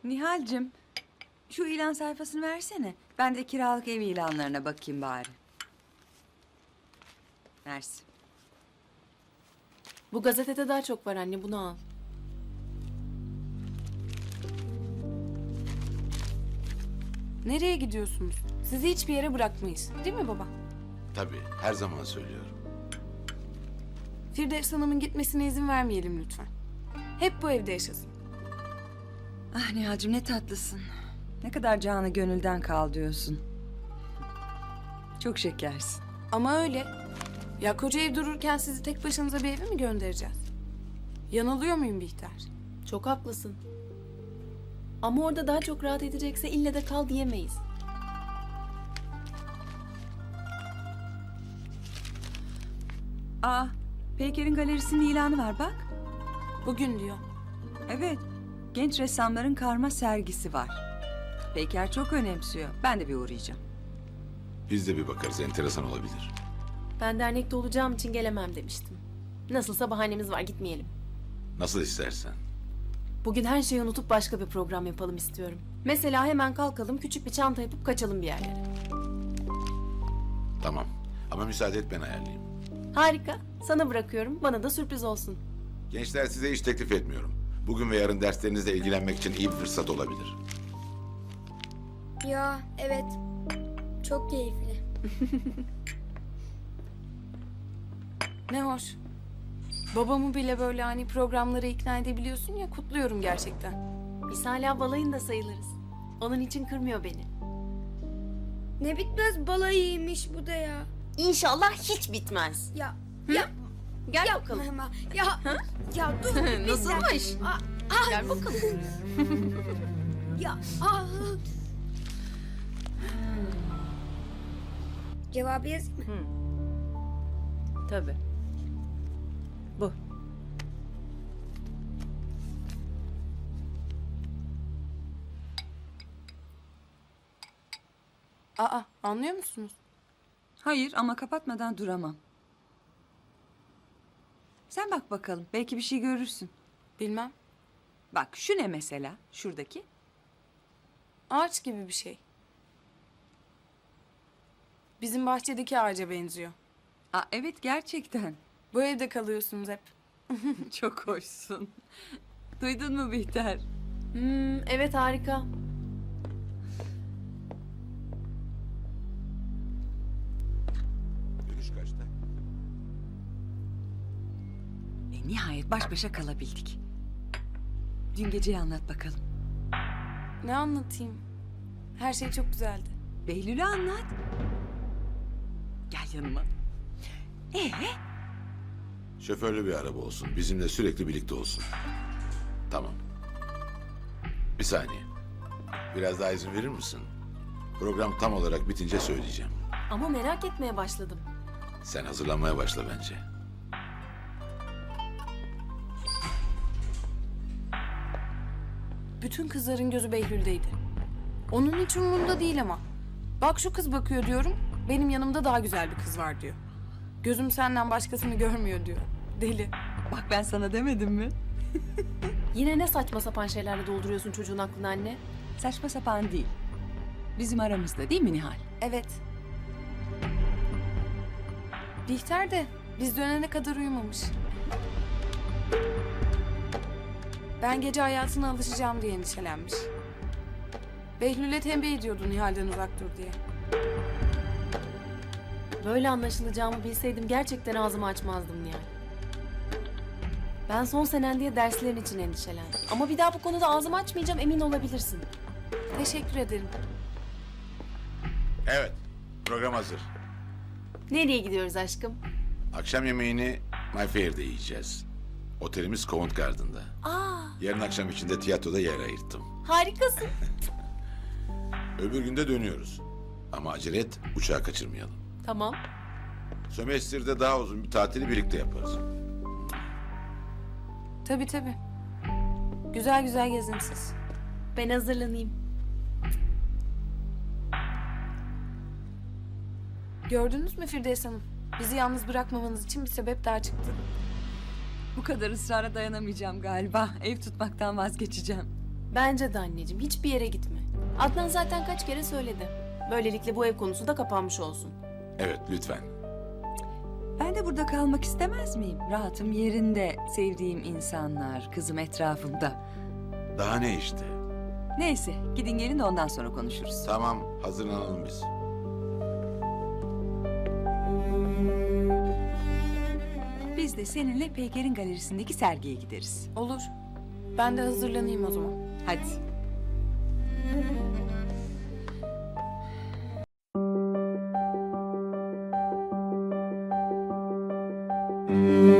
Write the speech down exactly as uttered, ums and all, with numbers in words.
Nihal'cim, şu ilan sayfasını versene. Ben de kiralık ev ilanlarına bakayım bari. Mersi. Bu gazetede daha çok var anne, bunu al. Nereye gidiyorsunuz? Sizi hiçbir yere bırakmayız. Değil mi baba? Tabii, her zaman söylüyorum. Firdevs Hanım'ın gitmesine izin vermeyelim lütfen. Hep bu evde yaşasın. Ah Nihal'cim ne tatlısın. Ne kadar canı gönülden kal diyorsun. Çok şekersin. Ama öyle. Ya koca ev dururken sizi tek başınıza bir eve mi göndereceğiz? Yanılıyor muyum Bihter? Çok haklısın. Ama orada daha çok rahat edecekse ille de kal diyemeyiz. Aa, Peyker'in galerisinin ilanı var bak. Bugün diyor. Evet, genç ressamların karma sergisi var. Peyker çok önemsiyor. Ben de bir uğrayacağım. Biz de bir bakarız, enteresan olabilir. Ben dernekte olacağım için gelemem demiştim. Nasılsa bahanemiz var, gitmeyelim. Nasıl istersen. Bugün her şeyi unutup başka bir program yapalım istiyorum. Mesela hemen kalkalım, küçük bir çanta yapıp kaçalım bir yerlere. Tamam. Ama müsaade et ben ayarlayayım. Harika. Sana bırakıyorum. Bana da sürpriz olsun. Gençler size hiç teklif etmiyorum. Bugün ve yarın derslerinizle ilgilenmek için iyi bir fırsat olabilir. Ya evet. Çok keyifli. Ne hoş. Babamı bile böyle hani programlara ikna edebiliyorsun ya, kutluyorum gerçekten. Biz hala balayında sayılırız. Onun için kırmıyor beni. Ne bitmez balayıymış bu da ya. İnşallah hiç bitmez. Ya ya Gel yapma bakalım. hemen. Ya ya dur. bir dakika. Nasılmış? Aa, ah, Gel bakalım. ya ah. Cevabı yazayım mı? Tabii. Bu. Aa, anlıyor musunuz? Hayır ama kapatmadan duramam. Sen bak bakalım. Belki bir şey görürsün. Bilmem. Bak şu ne mesela? Şuradaki. Ağaç gibi bir şey. Bizim bahçedeki ağaca benziyor. Aa, evet gerçekten. Bu evde kalıyorsunuz hep. Çok hoşsun. Duydun mu Bihter? Hmm, evet harika. Dönüş kaçta? E, nihayet baş başa kalabildik. Dün geceyi anlat bakalım. Ne anlatayım? Her şey çok güzeldi. Behlül'ü anlat. Gel yanıma. Ee? Şoförlü bir araba olsun. Bizimle sürekli birlikte olsun. Tamam. Bir saniye. Biraz daha izin verir misin? Program tam olarak bitince söyleyeceğim. Ama merak etmeye başladım. Sen hazırlanmaya başla bence. Bütün kızların gözü Behlül'deydi. Onun hiç umurunda değil ama. Bak şu kız bakıyor diyorum. Benim yanımda daha güzel bir kız var diyor. Gözüm senden başkasını görmüyor diyor. Deli. Bak ben sana demedim mi? Yine ne saçma sapan şeylerle dolduruyorsun çocuğun aklını anne? Saçma sapan değil. Bizim aramızda değil mi Nihal? Evet. Bihter de biz dönene kadar uyumamış. Ben gece hayatına alışacağım diye endişelenmiş. Behlül'e tembih ediyordu Nihal'den uzak dur diye. Böyle anlaşılacağımı bilseydim gerçekten ağzımı açmazdım Nihal. Ben son senen diye derslerin için endişelendim. Ama bir daha bu konuda ağzımı açmayacağım, emin olabilirsin. Teşekkür ederim. Evet. Program hazır. Nereye gidiyoruz aşkım? Akşam yemeğini My Fair'de yiyeceğiz. Otelimiz Covent Garden'da. Aa, Yarın akşam için de tiyatroda yer ayırttım. harikasın. Öbür günde dönüyoruz. Ama acele et, uçağı kaçırmayalım. Tamam. Sömestr'de daha uzun bir tatili birlikte yaparız. Tabii tabii. Güzel güzel gezin siz. Ben hazırlanayım. Gördünüz mü Firdevs Hanım? Bizi yalnız bırakmamanız için bir sebep daha çıktı. Bu kadar ısrara dayanamayacağım galiba. Ev tutmaktan vazgeçeceğim. Bence de anneciğim hiçbir yere gitme. Adnan zaten kaç kere söyledi. Böylelikle bu ev konusu da kapanmış olsun. Evet, lütfen. Ben de burada kalmak istemez miyim? Rahatım yerinde, sevdiğim insanlar, kızım etrafımda. Daha ne işte? Neyse, gidin gelin de ondan sonra konuşuruz. Tamam, hazırlanalım biz. Biz de seninle Peyker'in galerisindeki sergiye gideriz. Olur. Ben de hazırlanayım o zaman. Hadi. Anne.